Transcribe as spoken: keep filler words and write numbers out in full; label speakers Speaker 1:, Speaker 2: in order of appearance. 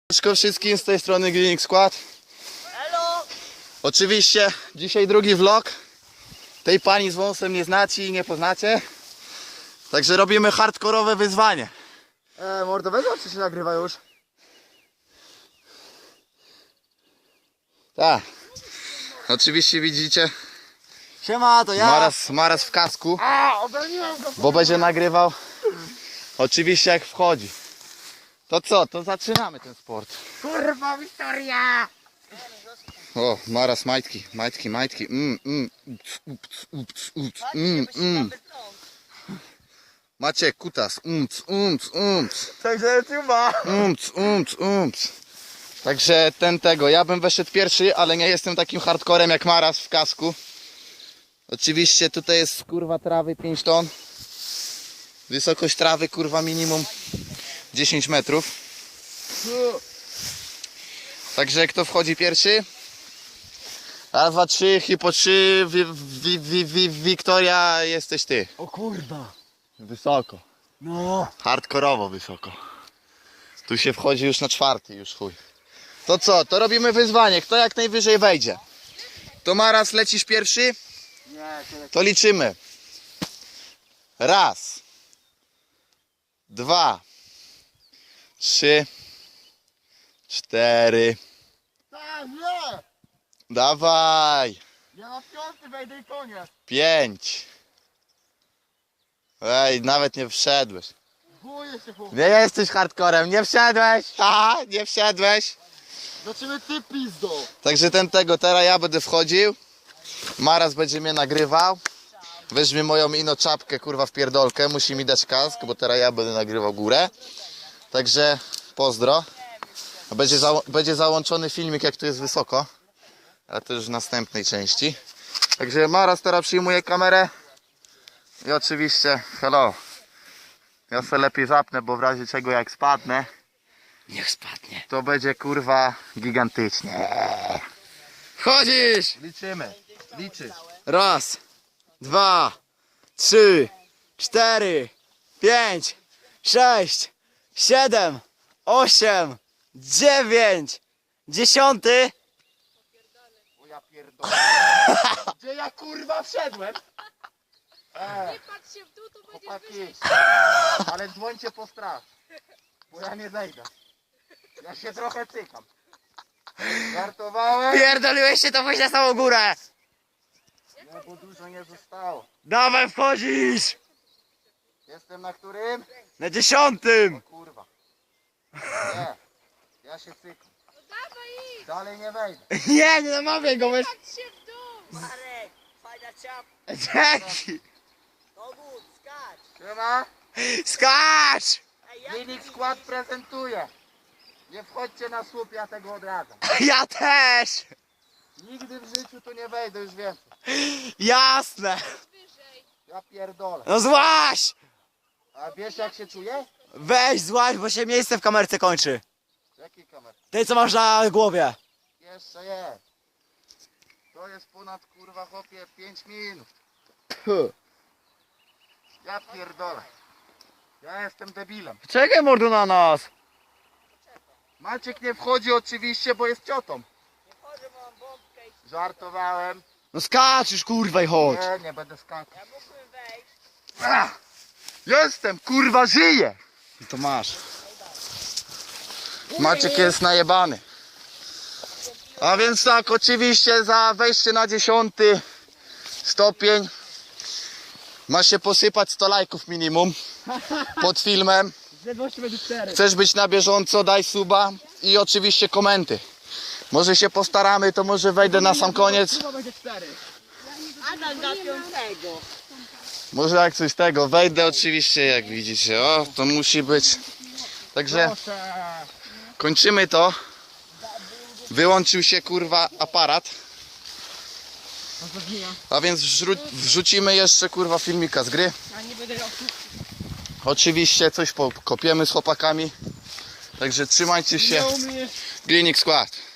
Speaker 1: Cześć wszystkim, z tej strony Grilling Squad.
Speaker 2: Hello.
Speaker 1: Oczywiście dzisiaj drugi vlog. Tej pani z wąsem nie znacie i nie poznacie. Także robimy hardkorowe wyzwanie.
Speaker 2: E, mordowego czy się nagrywa już?
Speaker 1: Tak. Oczywiście widzicie
Speaker 2: Siema, to ja.
Speaker 1: Maras, Maras w kasku,
Speaker 2: A, obroniłem go.
Speaker 1: bo będzie nagrywał. Oczywiście jak wchodzi. To co? To zaczynamy ten sport.
Speaker 2: Kurwa, Wiktoria.
Speaker 1: O, Maras majtki, majtki, majtki. Mm, mm, ups, ups, ups, ups, mm, mm. Macie kutas. Umc, umc, umc.
Speaker 2: Także YouTube'a.
Speaker 1: Umc, umc, umc. Także ten tego, ja bym weszedł pierwszy, ale nie jestem takim hardcorem jak Maras w kasku. Oczywiście tutaj jest kurwa trawy pięć ton. Wysokość trawy kurwa minimum dziesięć metrów. Także kto wchodzi pierwszy? Raz, dwa, trzy, hipo trzy, wi, wi, wi, wi, Wiktoria, jesteś ty.
Speaker 2: O kurwa.
Speaker 1: Wysoko.
Speaker 2: No.
Speaker 1: Hardkorowo wysoko. Tu się wchodzi już na czwarty, już chuj. To co? To robimy wyzwanie. Kto jak najwyżej wejdzie? To Maras, lecisz pierwszy?
Speaker 2: Nie, tyle.
Speaker 1: To liczymy. Raz. Dwa. Trzy. Cztery.
Speaker 2: Tak, nie.
Speaker 1: Dawaj.
Speaker 2: Ja na piąty wejdę i koniec.
Speaker 1: Pięć. Ej, nawet nie wszedłeś.
Speaker 2: Boję się chłop.
Speaker 1: Nie jesteś hardcorem, nie wszedłeś. Haha, nie wszedłeś.
Speaker 2: Zobaczymy ty pizdo.
Speaker 1: Także ten tego, teraz ja będę wchodził. Maras będzie mnie nagrywał. Weźmie moją ino czapkę kurwa w pierdolkę. Musi mi dać kask, bo teraz ja będę nagrywał górę. Także pozdro. Będzie, za, będzie załączony filmik jak tu jest wysoko. Ale to już w następnej części. Także Maras teraz przyjmuje kamerę. I oczywiście hello. Ja sobie lepiej zapnę, bo w razie czego jak spadnę,
Speaker 2: Niech spadnie.
Speaker 1: to będzie kurwa gigantycznie.
Speaker 2: Chodzisz.
Speaker 1: Liczymy. Liczysz.
Speaker 2: Raz, dwa, trzy, cztery, pięć, sześć, siedem, osiem, dziewięć, dziesiąty.
Speaker 1: O ja pierdolę. Gdzie ja kurwa wszedłem? E,
Speaker 3: Nie patrz się w dół, to będziesz
Speaker 1: chłopaki,
Speaker 3: wyżej.
Speaker 1: ale dzwońcie po straż, bo ja nie zejdę. Ja się trochę cykam. Żartowałem?
Speaker 2: Pierdoliłeś się, to pójść na samą górę.
Speaker 1: Nie, bo dużo nie zostało.
Speaker 2: Dawaj, wchodzisz.
Speaker 1: Jestem na którym?
Speaker 2: Na dziesiątym.
Speaker 1: Kurwa. Nie, ja się cykam.
Speaker 3: No dawaj idź,
Speaker 1: Dalej nie wejdę.
Speaker 2: Nie, nie namawiaj go, weź.
Speaker 3: patrz się w dół.
Speaker 4: Marek, fajna czap,
Speaker 2: Dzięki.
Speaker 4: kogut, skacz.
Speaker 1: Siema.
Speaker 2: Skacz.
Speaker 4: Ej, jak
Speaker 1: Grilling Squad prezentuje. Nie wchodźcie na słup, ja tego odradzam.
Speaker 2: Ja też.
Speaker 1: Nigdy w życiu tu nie wejdę już więcej.
Speaker 2: Jasne.
Speaker 3: Wyżej.
Speaker 1: Ja pierdolę.
Speaker 2: No złaś.
Speaker 1: A wiesz jak się czuję?
Speaker 2: Weź złaś, bo się miejsce w kamerce kończy.
Speaker 1: Jaki kamer?
Speaker 2: Tej, co masz na głowie.
Speaker 1: Jeszcze jest. To jest ponad kurwa chłopie pięć minut. Puh. Ja pierdolę. Ja jestem debilem.
Speaker 2: Czekaj, mordu, na nas.
Speaker 1: Maciek nie wchodzi oczywiście, bo jest ciotą.
Speaker 4: nie wchodzę, bo mam bombkę i
Speaker 1: Żartowałem.
Speaker 2: No skacz już, kurwa, i chodź.
Speaker 1: Nie, nie będę skakał.
Speaker 4: ja mógłbym wejść.
Speaker 1: Ach, jestem, kurwa, żyję.
Speaker 2: No to masz.
Speaker 1: Maciek jest najebany. A więc tak, oczywiście za wejście na dziesiąty stopień ma się posypać sto lajków minimum pod filmem.
Speaker 2: Zledwości będzie cztery.
Speaker 1: Chcesz być na bieżąco, daj suba i oczywiście komenty. Może się postaramy, to może wejdę na sam koniec.
Speaker 2: będzie cztery.
Speaker 4: Adam na piątego.
Speaker 1: Może jak coś tego, wejdę oczywiście jak widzicie. O, to musi być. Także kończymy to. Wyłączył się kurwa aparat. A więc wrzu wrzucimy jeszcze kurwa filmika z gry. Oczywiście coś pokopiemy z chłopakami. Także trzymajcie się. Grilling Squad.